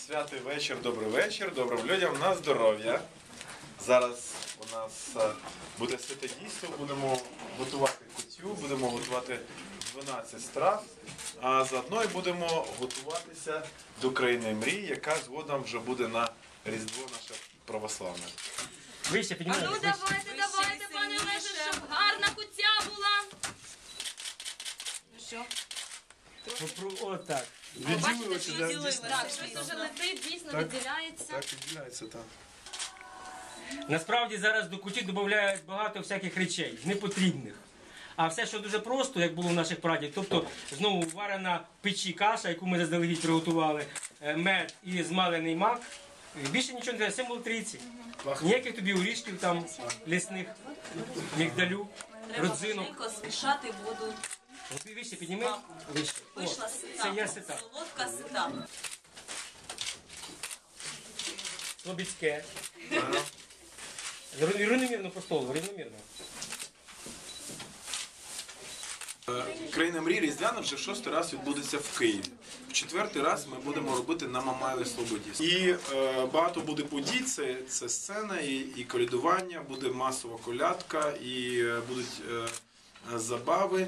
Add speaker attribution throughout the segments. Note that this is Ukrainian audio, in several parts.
Speaker 1: Святий вечір, добрий вечір, добрим людям на здоров'я. Зараз у нас буде святе дійство, будемо готувати кутю, будемо готувати 12 страв, а заодно і будемо готуватися до країни мрій, яка згодом вже буде на Різдво наше православне.
Speaker 2: Вище, піднімайте.
Speaker 3: Ну давайте, пане Олеже, щоб гарна куття була. Ну що?
Speaker 2: Отак.
Speaker 1: Відділилося,
Speaker 3: Так, щось вже летить, дійсно відділяється.
Speaker 1: Так, відділяється, так.
Speaker 2: Насправді зараз до куті додають багато всяких речей, непотрібних. А все, що дуже просто, як було в наших прадів, тобто знову варена в печі каша, яку ми заздалегідь приготували, мед і змалений мак. Більше нічого не треба, символ трійці. Ніяких тобі орішків там лісних, мігдалю, родзинок.
Speaker 4: Треба змішати воду.
Speaker 2: Вище підніми. Вище. О,
Speaker 4: Вийшла
Speaker 2: це
Speaker 4: сита,
Speaker 2: я сита.
Speaker 4: солодка сита.
Speaker 2: Слобідське. Рівномірно по столу, рівномірно.
Speaker 1: Країна мрій Різдвяна вже в 6-й раз відбудеться в Києві. В 4-й раз ми будемо робити на Мамаєвій Слободі. І багато буде подій, це сцена, і колядування, буде масова колядка, і будуть забави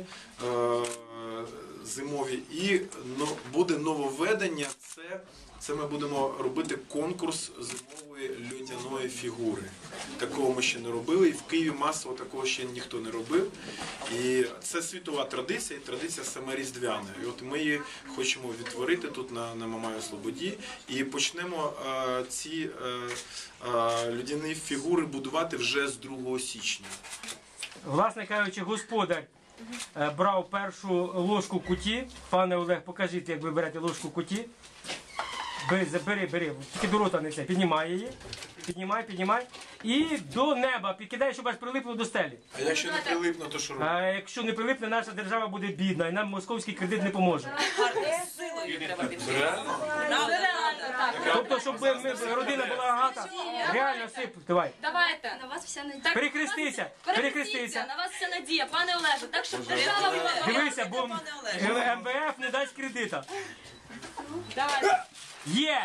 Speaker 1: зимові. І буде нововведення, це ми будемо робити конкурс зимової людяної фігури. Такого ми ще не робили, і в Києві масово такого ще ніхто не робив. І це світова традиція, і традиція саме різдвяна. І от ми її хочемо відтворити тут на Мамаєвій Слободі. І почнемо ці людяні фігури будувати вже з 2 січня.
Speaker 2: Власне кажучи, господар брав першу ложку куті. Пане Олег, покажіть, як ви берете ложку куті. Бери, тільки до рота не це. Піднімай її. Піднімай. І до неба підкидай, щоб аж прилипло до стелі.
Speaker 1: А якщо не прилипне, то що робити?
Speaker 2: А якщо не прилипне, наша держава буде бідна, і нам московський кредит не поможе.
Speaker 4: Силою треба
Speaker 1: Реально?
Speaker 2: Тобто, щоб родина була багата, реально сип, давай.
Speaker 3: Давайте. На вас вся надія.
Speaker 2: Перехрестися.
Speaker 3: На вас вся надія, пане Олеже. Так, щоб держава була.
Speaker 2: Дивися, бо МВФ не дасть кредита.
Speaker 3: Давайте.
Speaker 2: Є!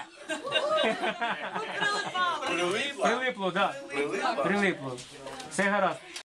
Speaker 1: Прилипла?
Speaker 2: Прилипло, так.
Speaker 1: Прилипла?
Speaker 2: Прилипло. Все гаразд.